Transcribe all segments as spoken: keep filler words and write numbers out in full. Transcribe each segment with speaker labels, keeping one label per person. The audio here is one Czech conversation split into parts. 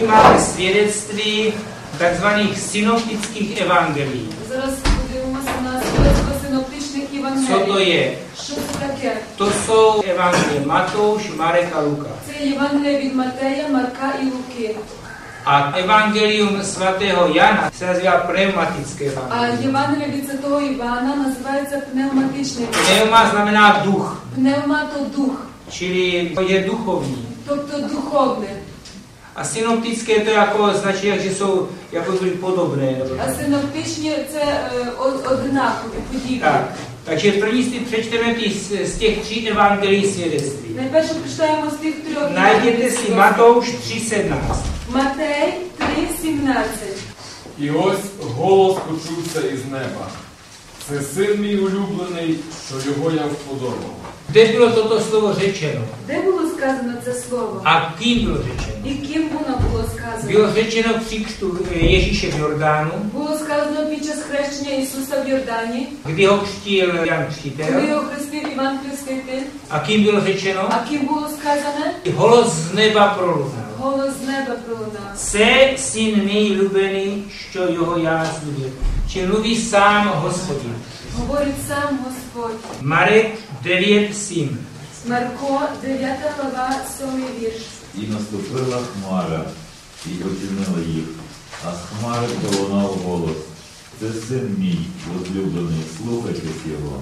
Speaker 1: nyní máme svědectví takzvaných synoptických evangelií.
Speaker 2: Зараз подивимося на свідоцтво синоптичних Євангелій.
Speaker 1: Co to je?
Speaker 2: Що це таке?
Speaker 1: To jsou evangelie Matouš, Marek a Luka.
Speaker 2: Це Євангелія від Матея, Марка і Луки.
Speaker 1: A evangelium svatého Jana se nazývá pneumatické
Speaker 2: А
Speaker 1: evangelium.
Speaker 2: Євангелія від Святого Івана називається пневматичне.
Speaker 1: Pneuma znamená duch,
Speaker 2: Пневма – то дух,
Speaker 1: čili je duchovní.
Speaker 2: тобто духовне.
Speaker 1: A synoptické to jako značí, že jsou jako podobné.
Speaker 2: А синоптичні – це е, од- однакові, подібні.
Speaker 1: Tak, takže první si přečteme ty z, z těch tří evangelií svědectví.
Speaker 2: Найперше прочитаємо з тих трьох.
Speaker 1: Najděte si Matouš tři sedmnáct.
Speaker 2: Матей три сімнадцять.
Speaker 3: І ось голос почувся із неба. Це син мій улюблений, що його я вподобав.
Speaker 1: Kde bylo toto slovo řečeno?
Speaker 2: Де було сказано це слово?
Speaker 1: A kým bylo řečeno?
Speaker 2: І ким воно було сказано?
Speaker 1: Bylo řečeno při křtu Ježíše v Jordánu,
Speaker 2: Було сказано під час хрещення Ісуса в Йордані,
Speaker 1: kdy ho křtil Jan
Speaker 2: коли
Speaker 1: Křtitel.
Speaker 2: його хрестив Іван Хреститель.
Speaker 1: A kým bylo řečeno?
Speaker 2: А ким було сказане?
Speaker 1: Holo z neba prolunal.
Speaker 2: Голос з неба пролунав.
Speaker 1: Se syn mý lubený, що його я zlюbil. Či mluví sám Hospodin.
Speaker 2: Говорить сам Господь.
Speaker 1: Marek devět sedm.
Speaker 2: Марко, дев'ята глава, сьомий вірш.
Speaker 4: І наступила хмара, і оцінила їх, а з хмари пролунав голос. Це син мій, возлюблений, слухайтесь його.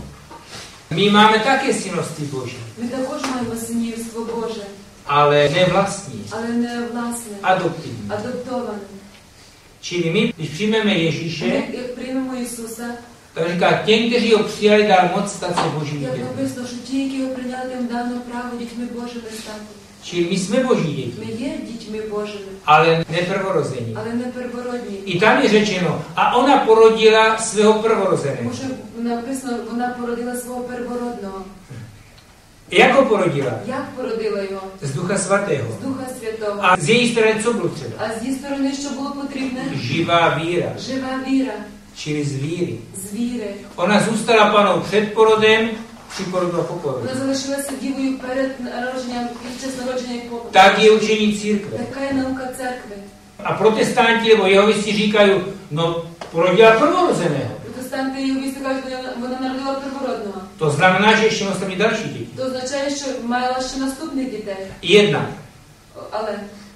Speaker 1: My máme také synovství Boží,
Speaker 2: Ми також маємо синівство Боже,
Speaker 1: ale ne vlastní,
Speaker 2: але не власне,
Speaker 1: adoptivní.
Speaker 2: адаптоване.
Speaker 1: Čili my, když přijmeme
Speaker 2: Ми,
Speaker 1: Ježíše,
Speaker 2: як приймемо Ісуса,
Speaker 1: tak říká, těm, kteří ho přijali, dal moc stát se Božími
Speaker 2: як
Speaker 1: dětmi.
Speaker 2: написано, що ті, які його прийняли, їм дано право дітьми Божими стати.
Speaker 1: Čili my jsme Boží
Speaker 2: Ми
Speaker 1: děti,
Speaker 2: є дітьми Божими,
Speaker 1: ale ne prvorození.
Speaker 2: але не первородні.
Speaker 1: I tam je řečeno, a ona porodila svého prvorozeného.
Speaker 2: Тому що написано, вона породила свого первородного.
Speaker 1: Jak ho porodila?
Speaker 2: Як породила його?
Speaker 1: Z Ducha Svatého.
Speaker 2: З Духа Святого.
Speaker 1: A z její strany co bylo třeba?
Speaker 2: А з її сторони, що було потрібне?
Speaker 1: Živá víra,
Speaker 2: Жива віра,
Speaker 1: čili z víry.
Speaker 2: з віри.
Speaker 1: Ona zůstala panou před porodem, či porodila po porodu.
Speaker 2: Вона залишилася дівою перед народженням, під час народження і по.
Speaker 1: Tak je učení církve.
Speaker 2: Така є наука церкви.
Speaker 1: A protestanti nebo jehovisti říkají, no porodila prvorozeného.
Speaker 2: Протестанти і увісти кажуть, вона- вона народила первородного.
Speaker 1: To znamená, že ještě musí mít další děti.
Speaker 2: То означає, що мала ще наступних дітей.
Speaker 1: Jedna.
Speaker 2: Але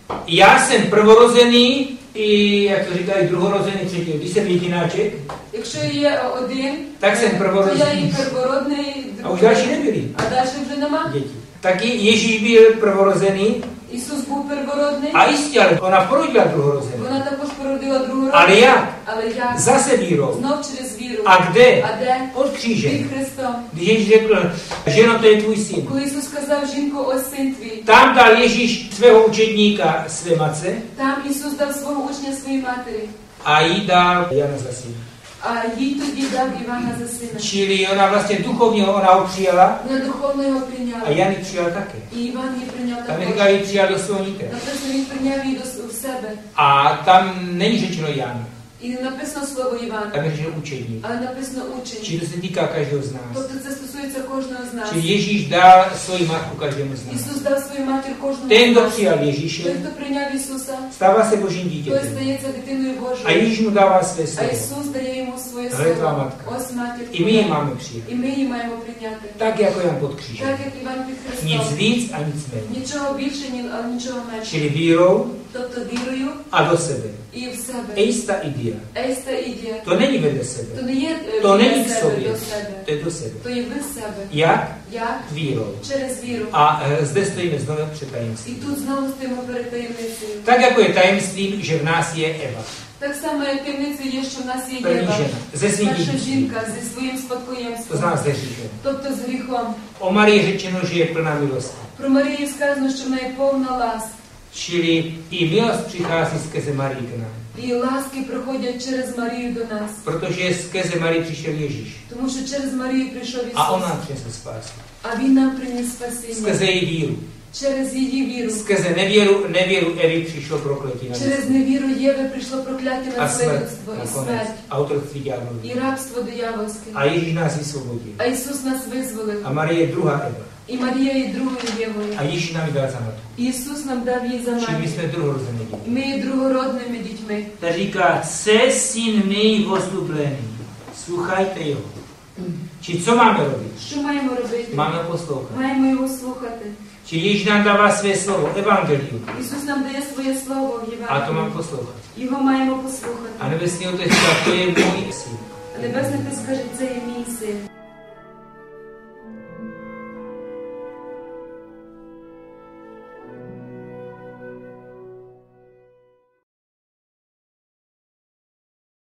Speaker 1: Já jsem prvorozený, i, jak to říkají, druhorozený, třetí. Když jsem jedináček,
Speaker 2: якщо є один,
Speaker 1: Так jsem
Speaker 2: то
Speaker 1: первородний.
Speaker 2: я і первородний,
Speaker 1: a už další nebyli
Speaker 2: а далі вже нема.
Speaker 1: děti. Taky Ježíš byl prvorozený,
Speaker 2: Ісус був первородний,
Speaker 1: a jistě, ale ona porodila druhorozený.
Speaker 2: вона також породила другу
Speaker 1: Ale jak?
Speaker 2: Але як?
Speaker 1: Zase vírou.
Speaker 2: Знов через віру.
Speaker 1: A kde?
Speaker 2: А де?
Speaker 1: Od kříže.
Speaker 2: Під Христом.
Speaker 1: Když Ježíš řekl, ženo, to je tvůj syn.
Speaker 2: Коли Ісус сказав, жінко, ось син твій,
Speaker 1: Tam dal Ježíš svého učedníka své matce
Speaker 2: там Ісус дав свого учня своїй матері,
Speaker 1: a jí dal Jana za syna.
Speaker 2: а їй тоді дав Івана за сина.
Speaker 1: Čili ona vlastně duchovně ona ho přijala
Speaker 2: Вона духовно його
Speaker 1: a
Speaker 2: прийняла.
Speaker 1: Jan ji přijal také.
Speaker 2: І Іван її прийняв
Speaker 1: Tam je
Speaker 2: також.
Speaker 1: říká, ji přijal do svého nitra.
Speaker 2: Написано, він прийняв її до с- в себе.
Speaker 1: A tam není řečeno Jan,
Speaker 2: І не написано слово Іван,
Speaker 1: tam je řečeno učedník.
Speaker 2: але написано учень.
Speaker 1: Čili to se týká každého z nás.
Speaker 2: Тобто це стосується кожного з нас.
Speaker 1: Čili Ježíš dal svoji matku každému z nás.
Speaker 2: Ісус дав свою матір кожному
Speaker 1: Ten,
Speaker 2: з
Speaker 1: kdo
Speaker 2: нас.
Speaker 1: přijal
Speaker 2: Той,
Speaker 1: Ježíše,
Speaker 2: хто прийняв Ісуса,
Speaker 1: stává se Božím
Speaker 2: той
Speaker 1: dítětem.
Speaker 2: стається дитиною
Speaker 1: A
Speaker 2: Божою.
Speaker 1: Ježíš mu dává své
Speaker 2: А
Speaker 1: slovo.
Speaker 2: Ісус дає йому своє
Speaker 1: Але твоя
Speaker 2: слово.
Speaker 1: матка.
Speaker 2: Ось матір
Speaker 1: I my ji
Speaker 2: твоя.
Speaker 1: máme přijat.
Speaker 2: І ми її маємо прийняти.
Speaker 1: Tak jako Jan pod křížem.
Speaker 2: Так, як Іван під
Speaker 1: Nic
Speaker 2: Христом.
Speaker 1: víc a nic méně.
Speaker 2: Нічого більше, ні, а нічого менше.
Speaker 1: Čili vírou
Speaker 2: Тобто вірою
Speaker 1: a do sebe.
Speaker 2: і в себе.
Speaker 1: Eista idia.
Speaker 2: Ейста ідія.
Speaker 1: To není vedle
Speaker 2: То
Speaker 1: sebe.
Speaker 2: не є е,
Speaker 1: To
Speaker 2: біля
Speaker 1: není k
Speaker 2: себе,
Speaker 1: sobě.
Speaker 2: до себе.
Speaker 1: To je do sebe.
Speaker 2: То є ви з себе.
Speaker 1: Jak?
Speaker 2: Як?
Speaker 1: Vírou.
Speaker 2: Через віру.
Speaker 1: A e, zde stojíme znovu před
Speaker 2: І
Speaker 1: tajemstvím.
Speaker 2: тут знову стоїмо перед таємницею.
Speaker 1: Tak jako je tajemstvím, že v nás je Eva.
Speaker 2: Так само, як таємницею є, що в нас є
Speaker 1: První
Speaker 2: Єва.
Speaker 1: žena. Ze svým
Speaker 2: Перша
Speaker 1: dědictvím.
Speaker 2: жінка зі своїм
Speaker 1: To
Speaker 2: спадкоємством.
Speaker 1: znamená zde říkám.
Speaker 2: Тобто з гріхом.
Speaker 1: O Marii je řečeno, že je plná milosti.
Speaker 2: Про Марію сказано, що в неї повна ласка.
Speaker 1: Čili i milost přichází skrze Marii k nám.
Speaker 2: І ласки приходять через Марію до нас.
Speaker 1: Protože skrze Marii přišel Ježíš.
Speaker 2: Тому що через Марію прийшов Ісус.
Speaker 1: A on nám přinesl spásu.
Speaker 2: А Він нам приніс спасіння.
Speaker 1: Skrze její víru.
Speaker 2: Через її віру.
Speaker 1: Skrze nevěru, nevěru Evy přišlo prokletí na
Speaker 2: Через
Speaker 1: nás.
Speaker 2: невіру Єви прийшло прокляття
Speaker 1: A
Speaker 2: на
Speaker 1: smrt
Speaker 2: свидетельство і
Speaker 1: nakonec.
Speaker 2: смерть,
Speaker 1: A otroctví ďáblovi.
Speaker 2: і рабство диявольське.
Speaker 1: A Ježíš nás vysvobodil.
Speaker 2: А Ісус нас визволив.
Speaker 1: A Marie je druhá Eva.
Speaker 2: І Марія є другою Євою.
Speaker 1: A Ježíš nám ji dal za matku.
Speaker 2: Ісус нам дав її за
Speaker 1: Čili my
Speaker 2: матір.
Speaker 1: jsme druhorozené děti.
Speaker 2: Ми є другородними дітьми.
Speaker 1: Ta říká, це syn mý возлюблений. Слухайте його. Či co máme робити?
Speaker 2: Що маємо робити?
Speaker 1: Máme ho poslouchat.
Speaker 2: Маємо його слухати.
Speaker 1: Či Ježíš nám dává své slovo, evangelium.
Speaker 2: Ісус нам дає своє слово в
Speaker 1: A to mám
Speaker 2: Євангелії.
Speaker 1: poslouchat.
Speaker 2: Його маємо послухати.
Speaker 1: A nebesný otec říká, to je můj syn.
Speaker 2: А Небесний Отець каже, це є мій син.